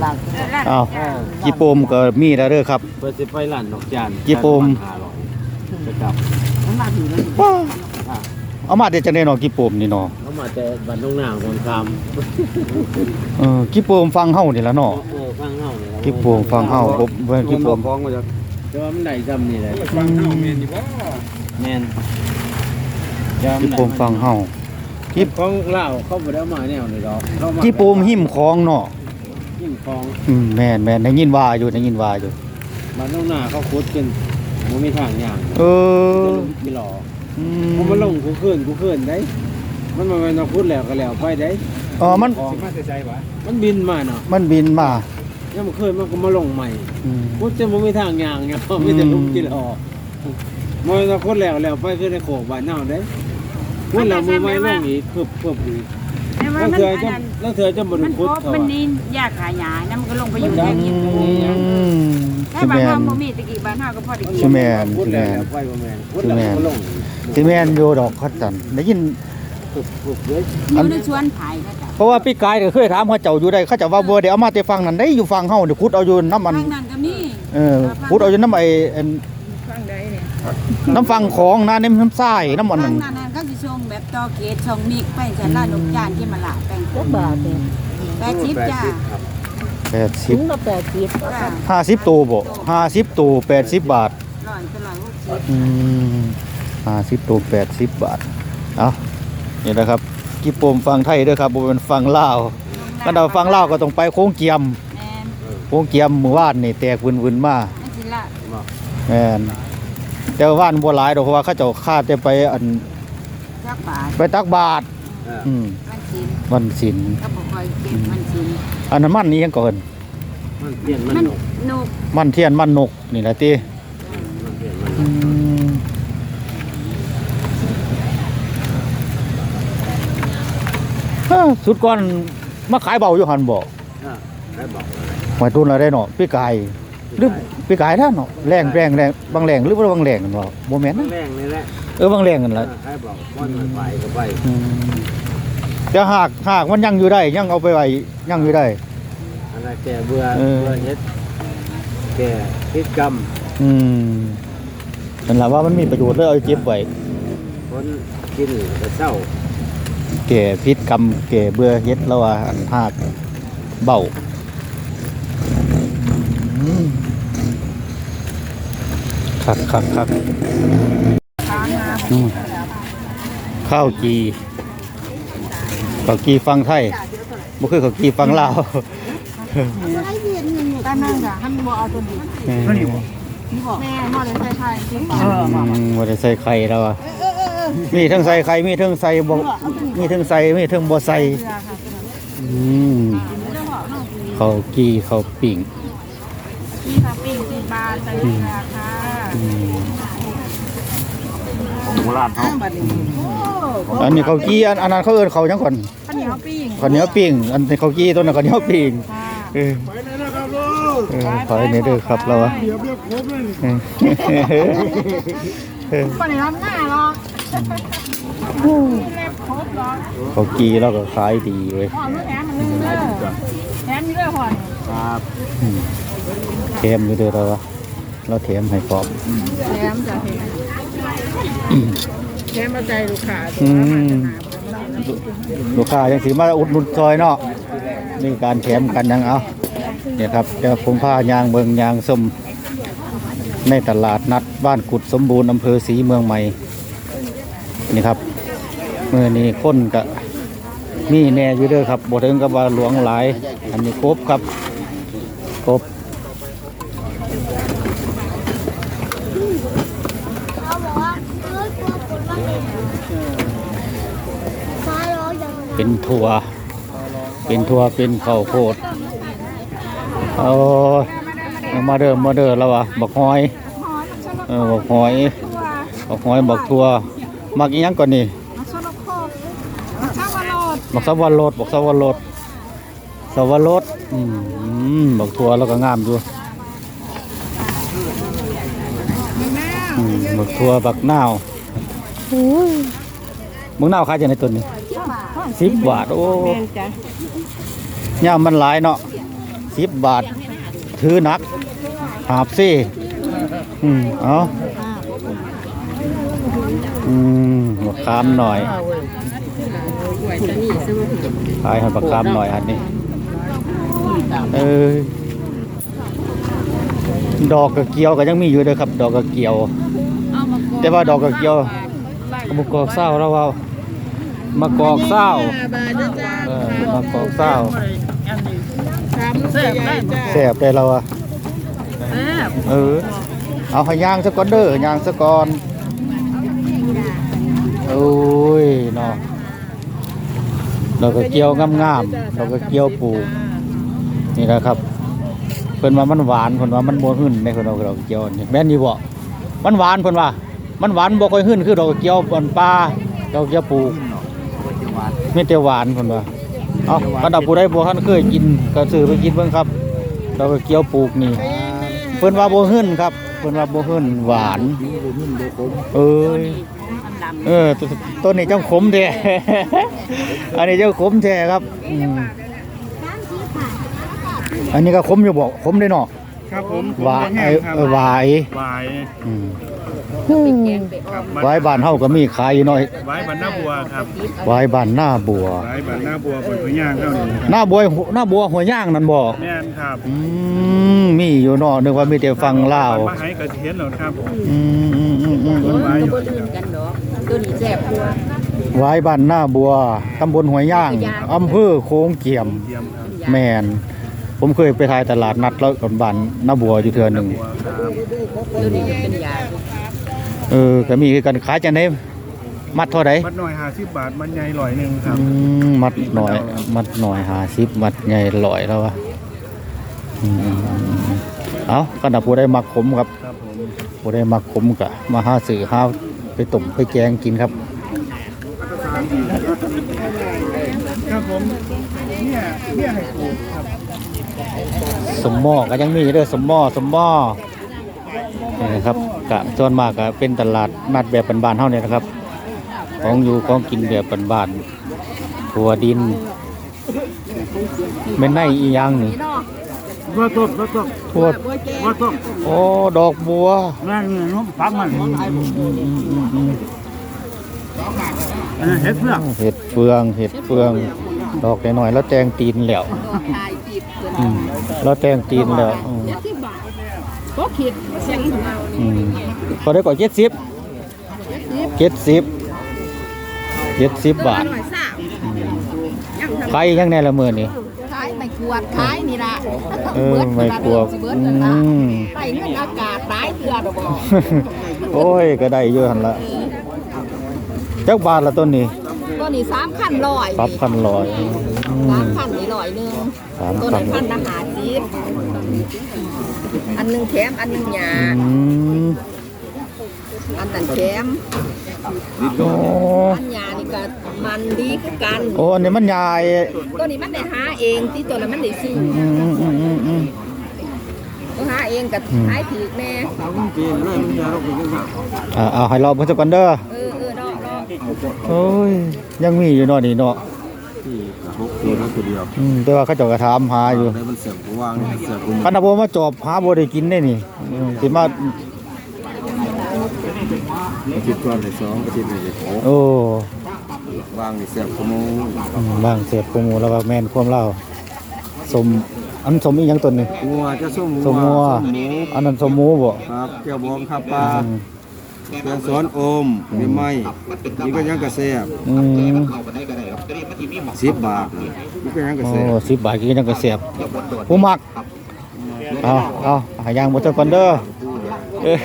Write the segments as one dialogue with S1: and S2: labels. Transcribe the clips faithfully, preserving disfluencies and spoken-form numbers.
S1: บาง
S2: อ้าวจีโปมก็มีแล้วเด้อครับ
S3: เปิดสิไปร้านดอกจาน
S2: จีโปม
S3: จะกลับ
S1: มันมาถึงแล้ว
S2: ว้าเอามาแต่จังได๋เนาะจีโปมนี่เนาะ
S3: เขามาแต่บ้านน้องนางคนค
S2: เออจีโปมฟังเฮานี่ล่ะ
S3: ำ
S2: เนาะ
S3: เออฟังเฮาเนี่ย
S2: จีโปมฟังเฮาบ่บ่จีโปม
S3: ฟ้องมาจากแต่ว่ามันได้จำนี่แหละ
S4: ฟังเฮาแม่นอยู่บ่
S3: แม่น
S2: จีโปมฟังเฮา
S3: กิบของเล่าเขาบ่ได้เอามาแนวนี่ดอกเขามา
S2: จีโปมหิมของเนาะ
S3: หิ้มของ
S2: อืมแม่นแม่นได้ยินว่าอยู่ได้ยินว่าอยู่
S3: บ้านน้องนาเขาขุดกันบ่มีทางย่าง
S2: เออ
S3: จะลงมีหล่อ
S2: อื
S3: อมันลงกูขึ้นกูขึ้นได้ มันมาเป็นเอาขุดแล้วก็แล้วไปได้
S2: อ๋อมัน
S4: สิมาแต่ใจบ่
S3: มันบินมาเนาะ
S2: มันบินมา
S3: ยังมันขึ้นมันก็มาลงใหม่
S2: อืม
S3: ขุดจะบ่มีทางย่างเนี่ยมีแต่ลงกินออกมันเอาขุดแล้วแล้วไปขึ้นในโขกบ้านเฮาได้ขุดแล้วมือไม้ลงอีกเพิ่มเพิ่มอีก
S5: แต่ว่า
S3: แล้ว
S5: มัน
S3: เธอ
S5: อัน
S3: จะ
S5: นั้น
S3: แล้วเธอจะบ่ได้
S5: มัน
S3: ขุด
S5: พบ
S3: เขา
S5: มันนี่ยากขายาน้ำมันก็ลงไปอยู่ใน
S2: อื
S5: กิน
S2: ม
S5: แต่
S2: สิ
S5: บ้าน
S2: แม่
S5: เฮาน บ่มีตะกี้บ้านเฮาก็พอได้กิ
S2: สิ
S5: น
S2: แม่น
S3: ขุด
S2: สิ
S3: แล้ว
S2: แม่น
S3: แล้วไปบ่แม่นขุดแล้วก็ลง
S2: สิแม่นอยู่ดอกคัดจันได้ยิน
S3: ปลุกปลุกเลย
S5: อยู่ในสวนไผ่เขาจ้ะ
S2: เพราะว่าพี่กายก็เคยถามเขาเจ้าอยู่ได้เขาเจ้าว่าบ่ได้เอามาแต่ฟังนั่นได้อยู่ฟังเฮาเดี๋ยวขุดเอาอยู่น้ำมัน
S5: ทางนั้นก็มี
S2: เออขุดเอาอยู่น้ำไอ้อัน
S5: ฟังได้เนี่ย
S2: น้ำฟังของนะน้ำน้ำทรายน้ำมัน
S5: ทา
S2: นั่
S5: ง
S2: น
S5: นั้นน่ะเขาสิส่งแบบต่อเกตส่งมิกไปจันลาดอกจานที่มาละแปลง
S1: จักบาทเนี่ย
S5: แปดสิบจ้า
S2: แปดสิ
S1: ถุ
S2: บ
S1: งละแปดสิบ
S5: จ้า
S2: ห้าสิบตัวบ่ห้าสิบตัวแปดสิบบาท
S5: ร้อยก็ร้อยหกสิบ
S2: อืมห้าสิบตัวแปดสิบบาทเอานี่นะครับกี่ปมฟังไทยเด้วยครับบ่เป็นฟังลาวถ้าเราฟังลาวก็ต้องไปโค้งเกียม
S5: แม่น
S2: โค้งเกียมหมู่บ้านนี่แตกวึนๆมา
S5: นั่นสิละ
S2: แม่นแต่ว่าบ้านบ่หลายดอกเพราะว่าเขาเจ้าคาดจะไปอัน
S5: จักบาท
S2: ไปตักบาตรอืม
S5: วันศีล
S2: วันศีล
S5: ก็บ่ค่อยเก็บวันศีล
S2: อันนั้นมันนี่ยังก่อน
S3: มันเปลี่ยนมัน
S5: มัน
S3: หนก
S5: นก
S2: มันเทียนมันนกนี่แหละติ
S3: มันเปลี่ยนมันหน
S2: อื
S3: ก
S2: มฮะสุดก่อนมาขายเบาอยู่หันบ่
S3: อ่าได้บอกเลย
S2: หมายตุนอะไรเนาะพี่กายหรือพี่กายท่านเนาะแรงแรงแรงบางแรงหรือว่าบางแรงกันบ่บ่แม่น
S3: มัน
S2: นะ
S3: แรงเลยแหละ
S2: เออบางแรงกันละ
S3: ใครบอกมันมันไปก็ไป
S2: อืมแต่หากหากมันยังอยู่ได้ยังเอาไปไว้ยังอยู่ได้
S3: อะไรแกเบื่อ
S2: เออ
S3: เบื่อเฮ็ดแกพิษกรรม
S2: อืมนั่นล่ะว่ามันมีประโยชน์เลยเอาเก็บไว้
S3: คนกินก็เศร้า
S2: แก่พิษกรรมแก่เบื่อเฮ็ดแล้วว่าอันหากเบาอืมคักคักคักอืมข้าวจีข้าวจีฟังไทยบ่คือข้าวจีฟังลาว
S1: ตามนั่นค่ะท่านบ่เอาตัวนี้
S2: นี่บ่
S1: แม่หม้อเลยใส่ไข่ที่
S2: อืมบ่ได้ใส่ไข่แล้วอ่ะมีทั้งใส่ไข่มีทั้งใส่บ่มีทั้งใส่มีทั้งบ่ใส่อืมข้าวจีข้าวปิ้ง
S5: นี่ค่ะปิ้งสิบบาทใส่เกลือค่ะ
S2: อืม
S3: โบราณเขา
S2: อันนี้ข้าวจีอันอันนั้นเขาเอิ้นข้าวหยังก่อน
S5: ข้าวเหนียวปิ้ง
S2: ข้าวเหนียวปิ้งอันนี้ข้าวจีตัวนั้นข้าวเหนียวปิ้งเออ
S4: ไปเลยนะครับลูก
S2: เออขอให้นี่เด้อครับเราอะ
S4: เดี๋ยวเรียกครบเลย
S2: เออเออ
S1: ปานนี้ทำง่ายหรอก
S2: ข้าวจีเราก็ขายดีเว้ย
S1: ห่อมื้อแถมมันเลยเด้อแถมอยู่เด้อห่อ
S3: ครับ
S2: อืมแถมอยู่เด้อเราอะเราแถมให้พร้อม
S1: แถมจ้ะเฮ็ดแถมมาใจลูกค้า
S2: อืมลูกค้ายังสิมาอุดหนุนซอยเนาะนี่การแถมกันยังเอาเนี่ยครับเดี๋ยวผมพายางเมืองยางส้มในตลาดนัดบ้านกุดสมบูรณ์อำเภอศรีเมืองใหม่นี่ครับเมื่อนี้คนก็มีแน่อยู่เด้อครับบ่ถึงกับว่าหลวงหลายอันนี้ครบครับครบเป็นถั่วเป็นถั่วเป็นข้าวโพดเอามาเดิมมาเดิมแล้ววะบักหอยเออบักหอยบักหอยบักถั่วมักอีหยังก่อนนี่บักสวรรดบักสวรรดสวรสอืมบักถั่วแล้วก็งามอยู่อืมบักถั่วบักนาวบักนาวขายจังได๋ตัวนี้สิบบาทโอ้ย่ามมันหลายเนาะสิบบาทถือหนักหาบซี่อืมเอาอืมบักขามหน่อยขายให้บักขามหน่อยอันนี้เออดอกกระเกียวก็ยังมีอยู่เด้อครับ ดอกกระเกียวแต่ว่าดอกกระเกียวมะกอกเศร้าแล้วว่ามะกอกเศร้าเออมะกอกเศร้าแซ่บได้แล้วอ่ะเออเอาให้ย่างซะก่อนเด้อย่างซะก่อนโอ้ยเนาะดอกกระเกียวงามๆดอกกระเกียวปลูกนี่นะครับเพิ่นว่ามันหวานเพิ่นว่ามันบ่หึ่นในเพิ่นเอาดอกกระเกียวนี่แม่นอยู่บ่มันหวานเพิ่นว่ามันหวานบ่ค่อยหึ่นคือดอกกระเกียวปนปลาดอกกระเกียวปลูกมีแต่หวานเพิ่นว่าเอ้าคันผู้ใดบ่ทันเคยกินก็ซื้อไปกินเบิ่งครับดอกกระเกียวปลูกนี่เพิ่นว่าบ่หึ่นครับเพิ่นว่าบ่หึ่นหวานเอ้ยเออต้นนี้เจ้าขมแท้ อันนี้เจ้าขมแท้ครับอืมอันนี้ก็ขมอยู่บ่ขมได้เนาะ
S4: ครับผม
S2: หวายเออหวาย
S4: หวาย
S2: อืม
S4: ครับ
S2: หวายบ้านเฮาก็มีขายอยู่หน่อย
S4: หวายบานหน้าบัวครับ
S2: หวายบ้านหน้าบัว
S4: หวายบานหน้าบัวบนพย่างเท่านี้
S2: หน้าบัวหน้าบัวหัวย่างนั่นบ่
S4: แม่นครับ
S2: อืมมีอยู่เนาะนึกว่ามีแต่ฟังลาว
S4: มาให้กระเทียนเหรอครับ
S2: อืมอืมอืมอืม
S4: หวายอยู่
S5: ตัวนี้แซ่บกว่า
S2: หวายบ้านหน้าบัวตำบลหัวย่างอำเภอโค้งเกี่ยม
S4: เทียมครับ
S2: แม่นผมเคยไปถ่ายตลาดนัดแล้วกับบ้านหน้าบัวอยู่เทื่อหนึง
S4: บัวครับ
S5: ตัวนี้จะเป็นยา
S2: เออก็มีคือกันขายจังได๋มัดเท่าใด
S4: มัดหน่อยห้าสิบบาทมันใหญ่ร้อยหนึ่งครับ
S2: อืมมัดหน่อย มัดหน่อยห้าสิบมัดใหญ่ร้อยแล้ววะอืมเอาขนาดผู้ได้มักขมครับ
S4: ครับผม
S2: ผู้ได้มักขมก็มาหาซื้อหาไปต้มไปแกงกินครับ
S4: ครับผมเนี่ยเนี่ยให้ปลูกครับ
S2: สมหม้อก็ยังมีเด้อสมหม้อสมหม้อนี่นะครับกะส่วนมากก็เป็นตลาดนัดแบบบ้านๆเฮาเนี่ยนะครับ ของอยู่ของกินแบบบ้านๆถั่วดินแม่นไนอีหยังนี่
S4: ว่าต้นว่าต้น
S2: ถั่ว
S4: ว่าต้น
S2: โอ้ดอกบัว
S4: นั่นน้องฟักมันอันนั้นเห็ดเพื่อก
S2: เห็ดเฟืองเห็ดเฟือง ดอกหน่อยๆแล้วแตงตีนแล้วอืมแล้วแตงตีนแล้วอืม
S1: ก็คิดเสียงของเรา
S2: อืมพอได้ก่อนเจ็ดสิบเจ็ดสิบเจ็ดสิบบาท
S1: หน่อยสาว
S2: อืมขายยังแน่ละมื้อนี่
S1: ขายไม่ขวดขายนี่ละ
S2: เออไม่กลัวอืม
S1: ไปเงินอากาศตายเตือดอกบ่
S2: โอ้ยก็ได้เยอะหั่นละจักบาทละต้นนี้
S1: ตัวนี้สามพันร้อย
S2: ปรับพันร้อยอื
S1: สาม มพันนี่ร้อยหนึ่ง
S2: สาม
S1: ตัว
S2: พั
S1: นั้น นพันละหาสิบอันหนึ่งแถมอันหนึ่งหยา
S2: อืม
S1: อันนั้นแถม
S2: โอ้
S1: อันหยานี่ก็มันดีคือกัน
S2: โอ้อันนี้มันใหญ่
S1: ตัวนี้มันได้หาเองที่ตัวนั้นมันได้ซื้อ
S2: อืมอืมอืมอืมอืม
S1: ตัวหาเองกับขายถือแน่
S3: กินแล้วมันจะเรากินกัน
S2: อ่าเอาให้เราเพิ่นสักก่อนเด้อ
S1: เออเออดอกดอก
S2: โอ้ยยังมีอยู่เนาะนี่เนาะ
S3: ที่หกตัวนั้นตัวเดียว
S2: อืมแต่ว่าเขาเจ้าก็ถามหาอยู่
S3: ได้มันเสียบกูวางนี่เสียบกู
S2: คันบ่มาจอบหาบ่ได้กินได้นี่อืมสิมา
S3: อาทิตย์ก่อนเลยสองอาทิตย์เลยหก
S2: โอ้
S3: วางนี่เสียบกูมู
S2: อืมบางเสียบกูหมูแล้วก็แม่นความเล่าสมอันสมอีหยังตัวหนึง
S3: งัวจะส้ม
S2: สมงัว
S3: ส้มหมู
S2: อันนั้นสมหมูบ่
S3: ครับเจ้าบองข้าวปลา
S2: อืม
S3: แกงสอนอมมีไม้นี่ก็ยังกระแซบ
S2: อืม
S3: สิบบาทเลยนี่ก็ยังกระ
S2: โอ้
S3: แซบ
S2: สิบบาทกินจังก็เสียบผู้มักเอาเอาหาย่างบ่เท่ากันเด้อ เออ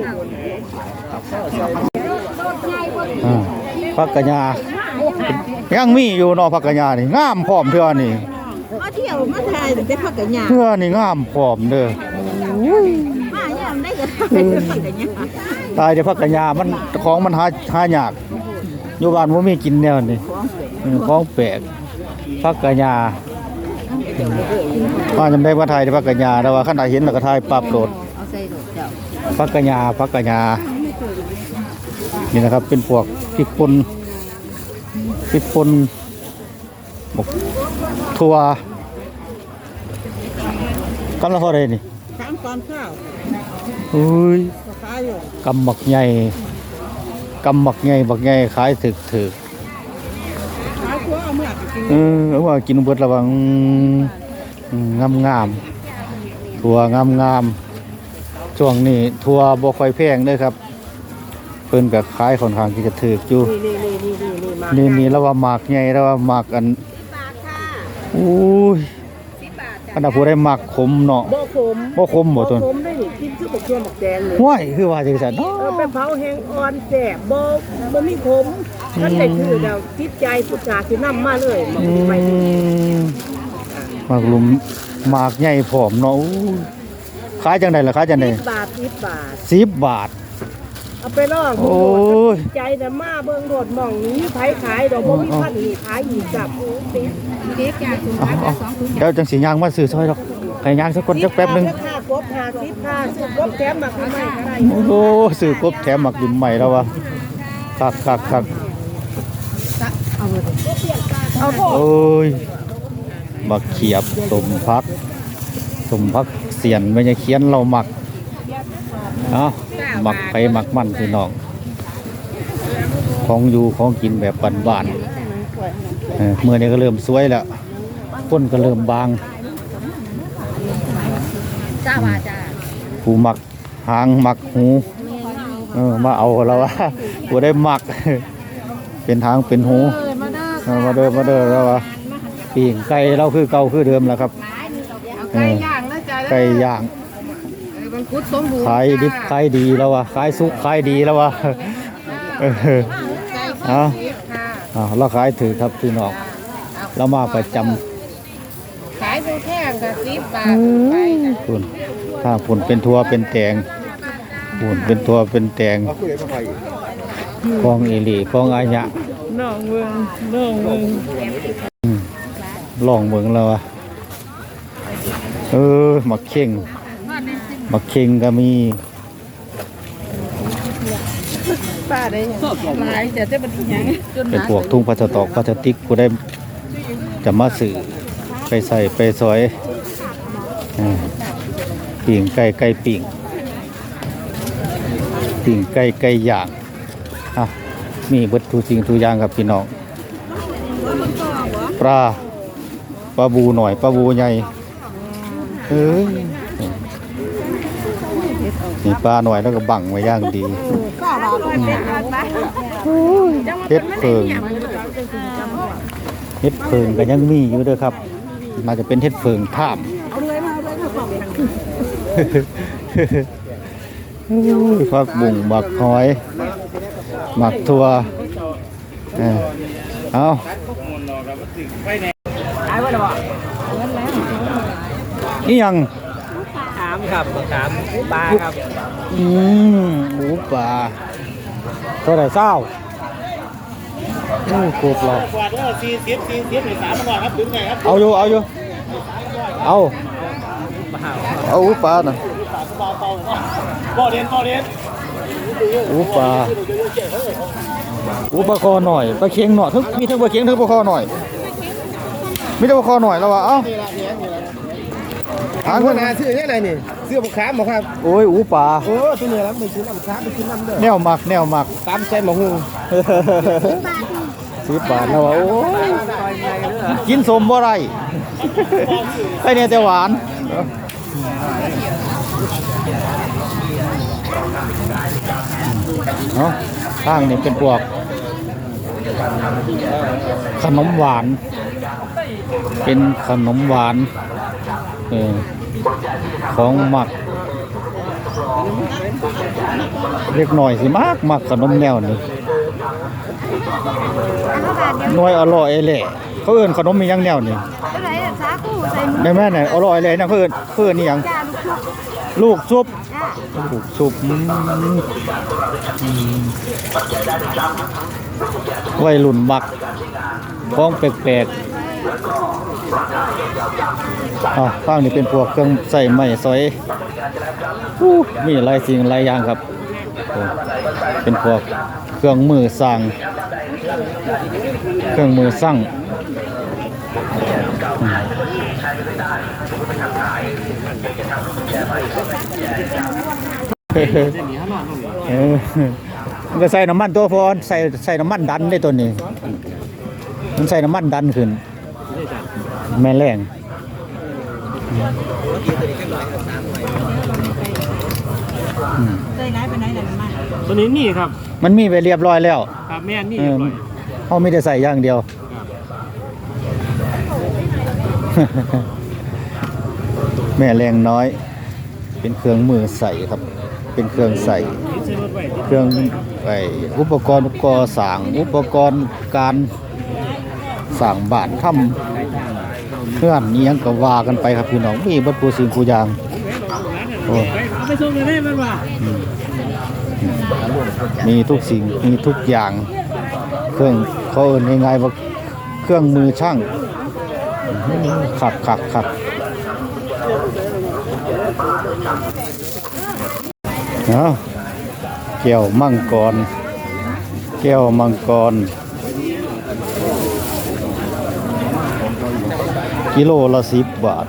S2: อ่าผักกะหญ้ายังมีอยู่เนาะผักกะหญ้านี่งามพร้อมเทื่อนี่
S1: มาเที่ยวมาถ่ายแต่ได้พักกันหยา
S2: เทื่อนี่งามพร้อมเด้อ
S1: มาเนี่ยามได้ก็ได้พักกันหยา
S2: ตายแต่ผักกะหญ้ามันของมันหาหายากอยู่บ้านบ่มีกินแนวนี่อืมของแปลกผักกะหญ้าว่าจำได้ว่าถ่ายแต่ผักกะหญ้าแต่ว่าคันใดเห็นแล้วก็ถ่ายปั๊บโหลด
S1: เอาใส่ดอกเจ้า
S2: ผักกะหญ้าผักกะหญ้านี่นะครับเป็นพวกพริกป่นพริกป่นหมกถั่วกำลังพอได้นี่
S5: สามตอนข้าว
S2: อุ้ย
S5: ขายอยู่
S2: กำหมักใหญ่กำหมักใหญ่บักใหญ่ขายถึกถึก
S5: ขายตัวเอาเมื่อกิน
S2: เออเอาว่ากินเบิดระวังงามงามๆทัวงามงามๆช่วงนี้ทัวบ่ค่อยแพงเด้อครับเพิ่นก็ขายค่อนข้างที่จะถึกอยู่
S5: นี่นี่นี่นี่นี่มา
S2: นี่นี่แล้วว่าหมากใหญ่แล้วว่าหมากอันอุ้ยอันนั้นผู้ได้หมากขมเนาะ
S5: บ่ขม
S2: บ่ขมบ่ต้น
S5: ขมได้นี่กินคือบักเขียบักแดงเลย
S2: ห้วยคือว่าจังซั่นเนาะ
S5: เออไปเผาแห้งอ่อนแสบบ่บ่มีขมท่านได้ถือดาวจิตใจพุทธาสินำมาเลยบ่
S2: อื
S5: ไป
S2: มหมากหลุมหมากใหญ่ผอมเนาะอู้ขายจังได๋ล่ะขายจังได๋
S5: สิบบาทสิบบาท
S2: สิบบาท
S5: เอาไปลอง
S2: โอ้ย
S5: ใจน่ะมาเบิ่งโดดหม่องนี้ไผขายดอกบ่มีพันนี่ขายอีกจับโอ้ติดเด็กอยากสูง
S2: เอาเอาเดี๋ยวจังสิย่างมาซื้อซอยดอกให้ย่างสักคนจักแป๊บหนึง
S5: ค่ากบห้าสิบค่าซื้อกบแถมมาคือไม่ได้
S2: โอ้โหซื้อกบแถมหมักดินใหม่แล้ววะคักคักคัก
S5: เอาโทษ
S2: โอ้ยบักเขียบสมพักสมพักเสียนไม่ใช่เขียนเราหมักเอาหมักไปหมักมันพี่น้องของอยู่ของกินแบบบ้านๆเออเมื่อนี้ก็เริ่มสวยแล้วก้นก็เริ่มบาง
S1: จ้าว่าจ้า
S2: ผู้หมักหางหมักหูเออมาเอาแล้ววะผู้ได้หมัก เป็นหางเป็นหูเออมาเดิมมาเดิมแล้ววะปีงไก่เราคือเก่าคือเดิมแล้วครับเออ
S5: ย่างนะจ๊ะ
S2: ไก่ย่าง
S5: มันคุดสมบูรณ์
S2: ขายดิบขายดีแล้ววะขายสุกขายดีแล้ววะเออเอาเอาเราขายถือครับพี่น้องเรามาประจำ
S5: ขายดูแท่งกับสิบบาทไป
S2: ปุ่นถ้าปุ่นเป็นทัวเป็นแตงปุ่นเป็นทัวเป็นแตงกองเอหลีกองอาญะ
S5: น้องเมืองน้องเมือง
S2: ลองเมืองแล้วอะเออหมักเข่งหมักเข่งก็มี
S5: ป้าได้หลายจะได้บันยังจน
S2: เป็นพวกทุ่งพลาสตอกพลาสติกกูได้จะมาสื่อไปใส่ไปซอยอ่าปิ่งไก่ไก่ปิ่งปิ่งไก่ไก่ย่างอ่ะมีเบิดทุกสิ่งทุกอย่างครับพี่น้องปลาปลาบูหน่อยปลาบูใหญ่เอ้ยนี่ปลาหน่อยแล้วก็บังไว้ย่างดีเฮ็ดเพิงเฮ็ดเพิงก็ยังมีอยู่เด้อครับน่าจะเป็นเฮ็ดเพิงท่ามผักบุ้งบักหอยหมักถั่วเออเอานี่ยัง
S3: ถามครับถามปลาครับ
S2: อืมหมูป่าเท่าไหร่เศร้าโอ้โคตรหรอก
S4: กว่าเด้อสี่สิบสี่สิบหรือสามก่อนครับถึงไงครับ
S2: เอาอยู่เอาอยู่เอาเอาหมูป่าน่ะ
S4: บ่อเรียนบ่อเรียน
S2: หมูป่าหมูปลาคอหน่อยปลาเค็งหน่อยทั้งมีทั้งปลาเค็งทั้งปลาคอหน่อยมีแต่ปลาคอหน่อยแล้ววะเอ้าหา
S4: ทาง
S2: ค
S4: คน นหาซื้อเนี่ยอะไรนี่ซื้อบุกขามบ่ครับ
S2: โอ้ยหมูป่า
S4: โอ้ตัวนี้รับไปซื้อน้ำค้าไปซื้อน้ำเด้อ
S2: แนวหมักแนวหมัก
S4: ตามใจหมอหู
S2: สิบบาทแล้ววะโอ้ยกินสมบ่ไรไอ้เนี่ยแต่หวานเนาะข้างนี่เป็นพวกขนมหวาน เป็นขนมหวานเออของหมักเล็กหน่อยสิมากมักขนมแนวนี้หน่วยอร่อยแหละเขาเอิ้นขนมมีหยังแนวนี่แม่แม่ไหนอร่อยเลยนะเขาเอิ้นเขาเอิ้นนี่หยังลูกซุปลูกซุปอืมอืมวัยรุ่นมักของแปลกๆอ่ะข้างนี้เป็นพวกเครื่องใส่ไม้สอยอู้มีหลายสิ่งหลายอย่างครับโอ้เป็นพวกเครื่องมือสร้างเครื่องมือสร้างอืมเออมันก็ใส่น้ำมันตัวพอใส่ใส่น้ำมันดันได้ตัวนี้มันใส่น้ำมันดันขึ้นแม่แรงอืม
S3: ตัวนี้นี่ครับ
S2: มันมีไปเรียบร้อยแล้ว
S3: ครับแม่นี่
S2: เอ
S3: เรีย
S2: อบ
S3: ร้อย
S2: เขาไม่ได้ใส่อย่างเดียว แม่แรงน้อย เป็นเครื่องมือใส่ครับ เป็นเครื่องใส่ เครื่องไออุปกรณ์ก่อสร้างอุปกรณ์การสร้างบ้านทำเพื่อนนี้ยังก็ว่ากันไปครับพี่น้องมีบัดปูสิ่งกูอย่างโอ้
S3: เอาไปส่งเลยได้มันว่า
S2: มีทุกสิ่งมีทุกอย่าง เครื่องเขาเอิ้นง่ายๆว่าเครื่องมือช่างขักขักขักเนาะแก้วมังกรแก้วมังกรกิโลละสิบบาท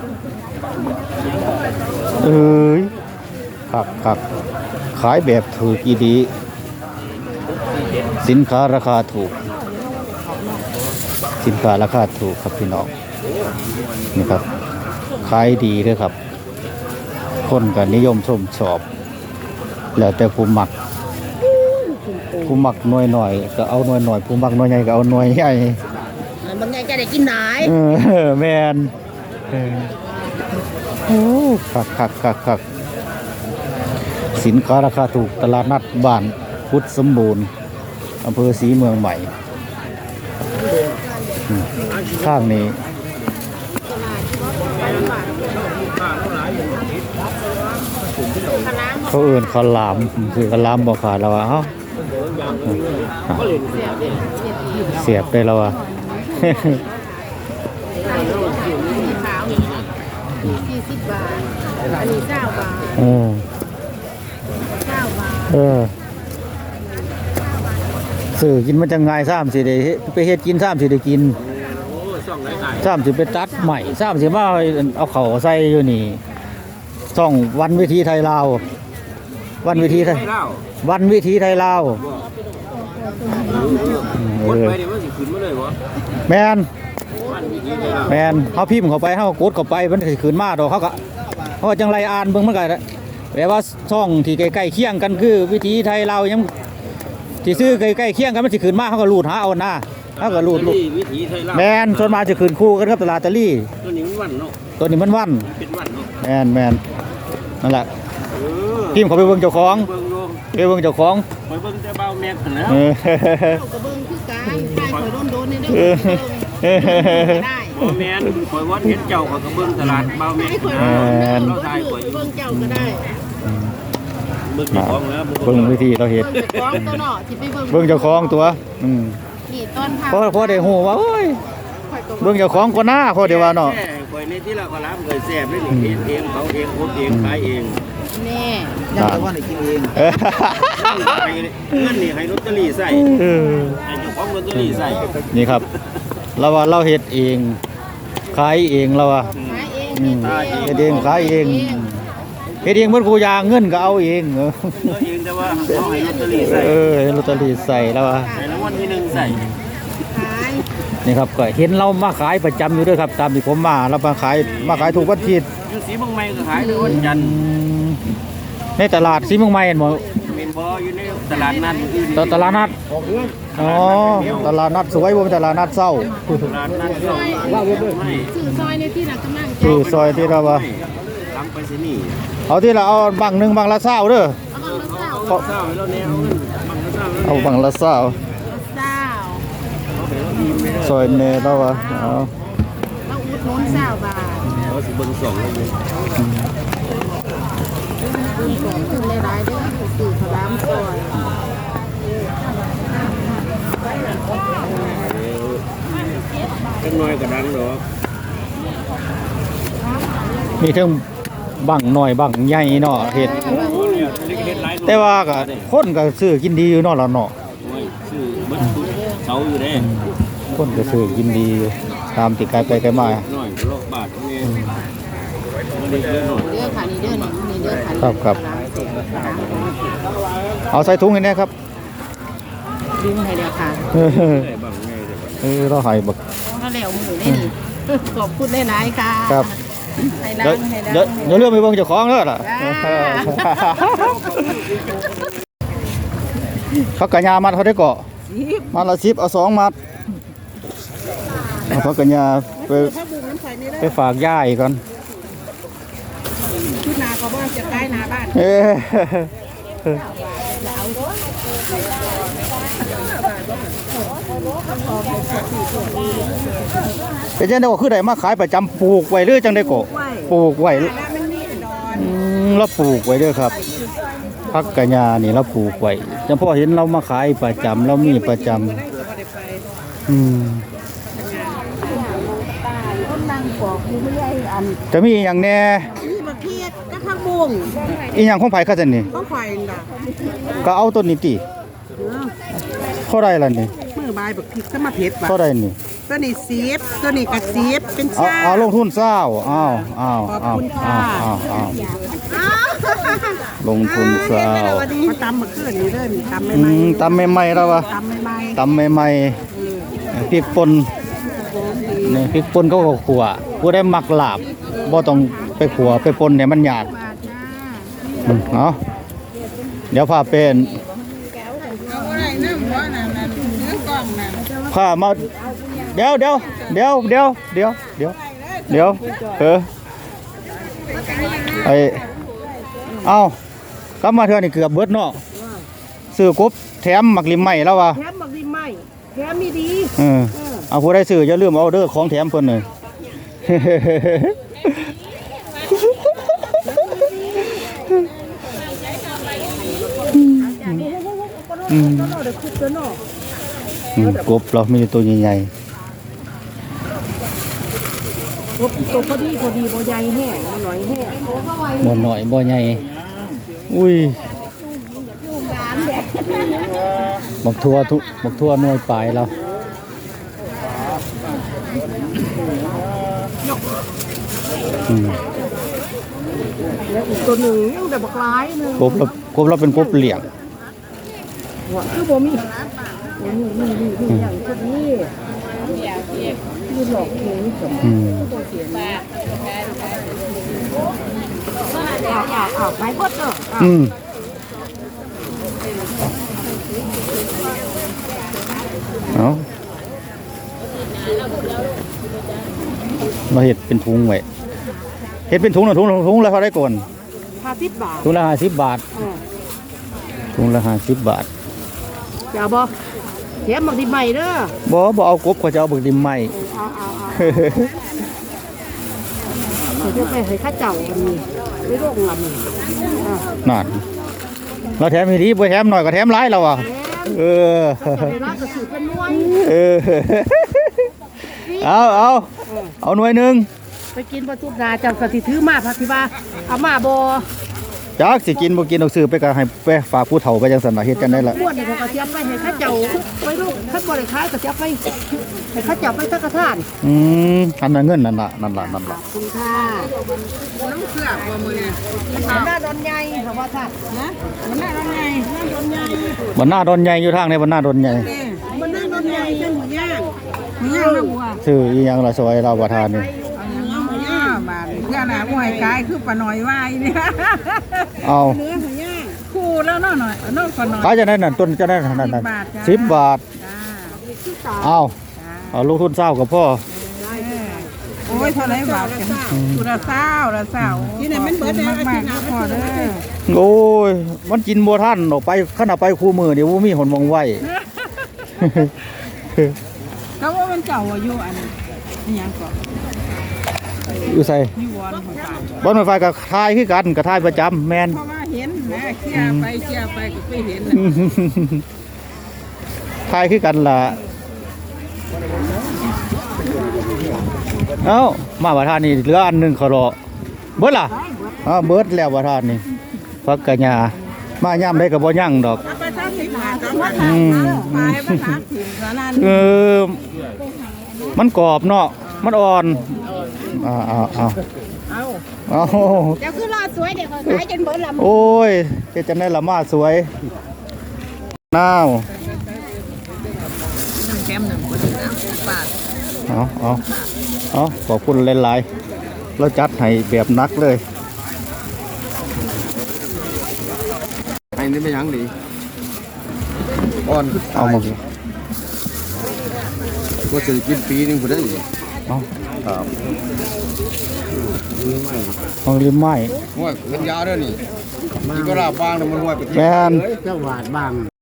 S2: เอ้ยขักขักขายแบบถูกอีดีสินค้าราคาถูกสินค้าราคาถูกครับพี่น้องนี่ครับขายดีด้วยครับคนก็นิยมชมชอบแล้วแต่ผู้มักผู้มักหน่วยหน่อยก็เอาหน่วยหน่อยผู้มักหน่วยใหญ่ก็เอาหน่วยใหญ่
S1: บางไงจะได้กินไหน
S2: เออแมนเออโอ้คักคักคักคักสินค้าราคาถูกตลาดนัดบ้านพุทธสมบูรณ์อำเภอศรีเมืองใหม่อืมข้างนี้เขาเอื่นข้าวหลามคือข้าวหลามบอกขาดแล้วอ่ะเอ้าเสียบได้แล้วอ่ะ
S1: ขาวสี่สิบบาทอันนี้เก้าบาท
S2: เออ
S1: เก้าบาท
S2: เออสื่อกินมันจะง่ายซ้ำสิได้เฮ็ดไปเฮ็ดกินซ้ำสิได้กินซ้ำสิไปตัดใหม่ซ้ำสิมาเอาเข่าใส่อยู่นี่ช่องวันวิธีไทยลาววันวิธีไทยวันวิธีไทยลาวเออแมนแมนเขาพิมพ์เข้าไปเขากดเข้าไปมันสิขึ้นมาดอกเขาก็เขาก็จังไรอ่านเบิ่งมันก็แปลว่าช่องที่ใกล้ๆเคียงกันคือวิธีไทยลาวยังที่ซื้อใกล้ๆเคียงกันมันสิขึ้นมาเขาก็รูดหาเอาหน้าเขาก็รูดรูด
S3: วิถีไทยลาว
S2: แมนส่วนมากจะขึ้นคู่กันครับตลาดตะลี่
S3: ตัวนี้มันวันเนาะ
S2: ตัวนี้มันวัน
S3: เป็นวันเนาะ
S2: แมนแมนนั่นแหละ
S3: เออ
S2: พิมพ์เขาไปเบิ่งเจ้าของ
S3: เบิ่งดู
S2: ไปเบิ่งเจ้าของ
S3: ไปเบิ่งแต่เบาแม็กซ์แล้ว
S2: เออ
S1: กระเบื้องคือการใต้ข่อยโดนๆในเด้
S2: เออ
S1: อได้
S3: บ่แม่นข่อยว่าเห็นเจ้าข่อยก็เบิ่งตลาดเบาแม็ก
S1: ให้
S3: ซ์
S1: ข่อย
S3: นะ
S1: โดน
S3: เรา
S1: ๆ
S3: ถ่ายข่อยอยู่
S1: เบื้องเจ้าก็ได้
S3: เบิ่งเจ้าของแล้ว
S2: เบิ่งวิธีเราเห็น
S1: เจ้าของตัวเนาะที่ไปเบิ่ง
S2: เบิ่งเจ้าของตัวอืม
S1: นี่ต้นทาง
S2: พอพอได้ฮู้ว่าโอ้ย
S1: ข่อยก็
S2: เบิ่งเจ้าของก็น่าพอได้ว่าเนาะ
S3: แซ่ข่อยในที่ละก็รับเคยแซ่บเลยนี่เฮ็ดเองเขาเองโคตรเองขายเอง
S1: แน่
S2: ยังแต่ว่าได้กินเองเออ
S3: ให้เงินนี่ให้ลอตเตอรี่ใส่
S2: เออ
S3: ให้เจ้าของลอตเตอรี่ใส่
S2: นี่ครับเราว่าเราเฮ็ดเองขายเองเราว่า
S1: ขายเอง
S2: อืมเฮ็ดเองขายเองเฮ็ดเองเหมือนกูยางเงินก็เอาเองเออ
S3: ตัวเองแต่ว่าเขาให้ลอตเตอรี่ใส่
S2: เออลอตเตอรี่ใส่แล้วว่า
S3: ให้รางวัลที่หนึ่งใส่
S1: ขาย
S2: นี่ครับก็เห็นเรามาขายประจำอยู่ด้วยครับ ตามที่ผมมาเรามาขายมาขายถูกวันอาทิตย์
S3: อยู่สีเมืองใหม่ก็ขายในวันจันทร์
S2: ในตลาดสีเมืองใหม่เห็นบ่
S3: เมนบออยู่ในตลาดนัดอื่น
S2: ตตลาดนัดอ๋อตลาดนัดสวยบ่เป็นตลาดนัดเศร้า
S3: ตลาดนัดก็ว่าไม่
S1: สื่อซอยในที่นักกำลังใจ
S2: คือซอยที่เราว่า
S3: ทำไปสินี่
S2: เอาที่เราเอาบังหนึงบังละเศร้าเด้อ
S1: เอาบังละเศร้า
S3: เศร้าแล้วแนวเงินมันก็เศร้าแล้ว
S2: เอาบังละเศร้า
S1: เศร้า
S2: ซอยเนเราว่าเอา
S1: เราอุดหนุนเศร้าบาท
S3: เขาสิเบิ่งสองเลย
S1: ถึงในรายเด้อสื่อขลามซอย
S3: จังน้อยก็ดังดอก
S2: มีทั้งบังหน่อยบังใหญ่เนาะเฮ็ด
S3: เล็กๆหลาย
S2: แต่ว่าก็คนก็ซื้อกินดีอยู่เนาะล่ะเนาะ
S3: ซื้อเบิดทุกเสาอยู่เด้
S2: คนก็ซื้อกินดีอยู่ตามที่ไกลไปไกลมา
S3: น้อยโลกบาทนี่เล็กเล็กหน่อย
S1: เด้อค่ะนี่เด้อนี่นี่เด้อค่ะ
S2: ครับครับเอาใส่ถุงให้แน่ครับ
S1: ดึงให้เด้อค่ะ
S2: เออ
S3: ได้บางไงแต่ว่า
S2: เออเราให้บัก
S1: ก็แล้วหมูได้นี่ขอบคุณหลายๆค่ะ
S2: ครับ
S1: ให้ล้า
S2: เดี๋ยว
S1: งให้
S2: เดี๋ยว
S1: ล้าง
S2: เดี๋ยวเรื่องไปเบิ่งเจ้าของเด้อล่ะ
S1: จ้า
S2: เขากะยามัดเขาได้เกาะมัดละสิบเอาสองมัดเอาเขากะยาไปไปฝากย่าอีกก่อน
S1: ชุดนาก็บ่จะใกล้นาบ้าน
S2: เอ้เป็นจังได๋ว่าคือได้มาขายประจำปลูกไว้หรือจังได๋ก็ปลูกไว้อืมเราปลูกไว้เด้อครับพักกะยานี่เราปลูกไว้จังพ่อเห็นเรามาขายประจำเรามีประจำอืม
S5: คนนั่งปอกอยู่ไม่ได้อัน
S2: จะมีอีหยังแหน่
S5: นี่มาเพียดก็ข้างบุ้ง
S2: อีหยังของไผคะซั่นนี่
S5: ก็ไฟน่ะ
S2: ก็เอาต้นนี้ติเท่าใดล่ะนี่
S5: มือบายบักพริกก็มาเผ็ดว่ะ
S2: เท่าใดนี่
S5: ตัวนี้ซีฟตัวนี้ก็ซีฟเป็น
S2: เอา
S5: ชา
S2: เอาลงทุนเศร้าอ้าวอ้าว
S5: ขอบ
S2: อ้าว
S5: คุณ
S2: อ้า
S5: ค่ะ
S2: วอ้าวอ้าวลงทุนเศร้า
S5: มาตำมาขึ้นนี่เด้อนี่ตำไม่
S2: อื
S5: ไหม
S2: มตำใหม่ๆแล้ววะ
S5: ตำไม่ไหม
S2: ตำใหม่ๆพริกป่นนี่พริกป่นเขาก็ขัวผู้ได้มักลาบบ่ต้องไปขัวไปป่นเนี่ยมันยากอืมเอาเดี๋ยวพาเป็นพามาเดี๋ยวเดี๋ยวเดี๋ยวเดี๋ยวเดี๋ยวเดี๋ยวเดี๋ยวเออไอเอากลับมาเทื่อนี่เกือบเบิดเนาะซื้อกบแถมหมักลิมใหม่แล้ววะ
S5: แถมบักดีไหมแถมมีดี
S2: เออเอาผู้ได้ซื้ออย่าลืมเอาเด้อของแถมเพิ่นเลย อืม
S5: เราเดี๋ยวคุกตัวเนาะ
S2: อืมกบเรามีตัวใหญ่
S5: คุกตัวพอดีพอดีบ่ใหญ่แห้งหน่อยแห้ง
S2: ๆบ่น้อยบ่ใหญ่อุ้ยบักทั่วทุบักทั่วหน่วยปลายเราอืม
S5: แล้วอีกตัวหนึ่งยังแต่บักหลายหนึง
S2: กบเรากบเราเป็นกบเหลี่ยง
S5: คือบ่มีบ่มีนี่นี่นี่อย่างตัวนี้นี่หลอกเข็งสม
S2: อืม
S5: อ้าวอ้าวอ้าวไปหมดเนาะ
S2: อืมเอาเราเห็ดเป็นถุงไว้เห็ดเป็นถุงหนึ่งถุงละถุงละเท่าไรก่อน
S5: ห้าสิบบาท
S2: ถุงละห้าสิบบาท
S5: เออ
S2: ถุงละห้าสิบบาท
S5: จะเอาบ่แถมบักดีใหม่เด้อ
S2: บ่บ่เอากบก็จะเอาบึกดิมใหม่
S5: เอาเอาเอาเดี๋ยวจะไปให้ข้าเจ้ากันนี่ไปโรงลำนี่อ่า
S2: นั่นเราแถมให้ดีบ่แถมหน่อยก็แถมหลายแล้วอ่ะเออ
S5: จะได้รับกระสุนเป็นหน่วย
S2: เออเอาเอาเอาหน่วยหนึง
S5: ไปกินประตูนาเจ้าก็สิถือมาพักที่ว่าเอามาบ่
S2: จักสิกินบ่กินเอาซื้อไปก็ให้ไปฝากผู้เฒ่าไปจังซั่นน่ะเฮ็ดกันได้ละ
S5: ม้วนนี่เขาก็สิเอาไปให้ข้าเจ้าไปโรงคันบ่ได้ขายก็สิเอาไปให้ข้าเจ้าไปสักกระทาน
S2: อืมอันนั้นเงินนั่นล่ะนั่นล่ะนั่นล่ะ
S5: คุณค่ะน้ำเสือกบ่มื้อนี้หน้าดอนใหญ่ค่ะว่าท่านนะมันหน้าดอนใหญ่หน้าดอนใหญ่
S2: บ่หน้าดอนใหญ่อยู่ทางในบ่หน้าดอนใหญ่
S5: มันหน้าดอนใหญ่เป็นหมูย่างหมูย่างนะบัว
S2: ซื้ออีหยังล่ะซอยเราบ่ทานนี่
S5: เอาหมูย่างบาดเพื่อนน่ะหวยกายคือปลาหน่อยวายเนี่ย
S2: เอา
S5: เนื้อหมูย่างคู่แล้วเนาะหน่อยเอาน้องปลาหน่อย
S2: ขายจะได้นั่นต้นจะได้นั่นนั่นสิบบาท
S5: จ้า
S2: เอาเอาลงทุนเศร้ากับพ่อ
S5: โอ้ยเท่าไรบาทกันกูละเศร้าละเศร้าที่ไหนมันเบิดมากมากๆพอเด้อ
S2: โอ้ยมันกินบ่ทันออกไปขนาดไปคู่มือเดี๋ยวบ่มีหนมองไว้
S5: ก็ว่ามันเก่าอายุอันนี้ยังก่อน
S2: อยู่ใส่
S5: ยูวอนของการ
S2: บ่อนไฟกับทายคือกันกับทายประจำแม่น
S5: เพราะว่าเห็นนะเคลียร์ไปเคลียร์ไปก็ไปเห็นนะ
S2: ทายคือกันล่ะเอ้ามาประทานนี่เหลืออันหนึงขอรอเบิดล่ะอ้าเบิดแล้วประทานนี่พักกะยามายามได้ก็บ่ยั่งดอก
S5: ไปสามสิบบาทก็ว่า
S2: อืม
S5: ไปภาษาถิ่นสารัน
S2: เออมันกรอบเนาะมันอ่อนอ่าอ่าอ่า
S5: เอา
S2: เอ้า
S1: เดี๋ยวคือรอสวยเดี๋ยวขายจนเบิดละ
S2: โอ้ยเฮ็ดจังได๋ละมาสวยนาว
S5: หนึ่งแคมหนึ่งคนหนึ่งนะบาท
S2: เอาเอาเอาขอบคุณหลายๆเราจัดให้แบบหนักเลย
S3: ไอ้นี่ไม่ยังดีอ่อน
S2: เอามา
S3: ก็จะกินปีนึงพอได้
S2: เอา
S3: ครับ
S2: เอาริมไม้
S3: ห้วยเงินยาเด้อนี่นี่ก็ลาบางนะมันห้วยไป
S2: แม่น
S3: เจ้าหวาดบาง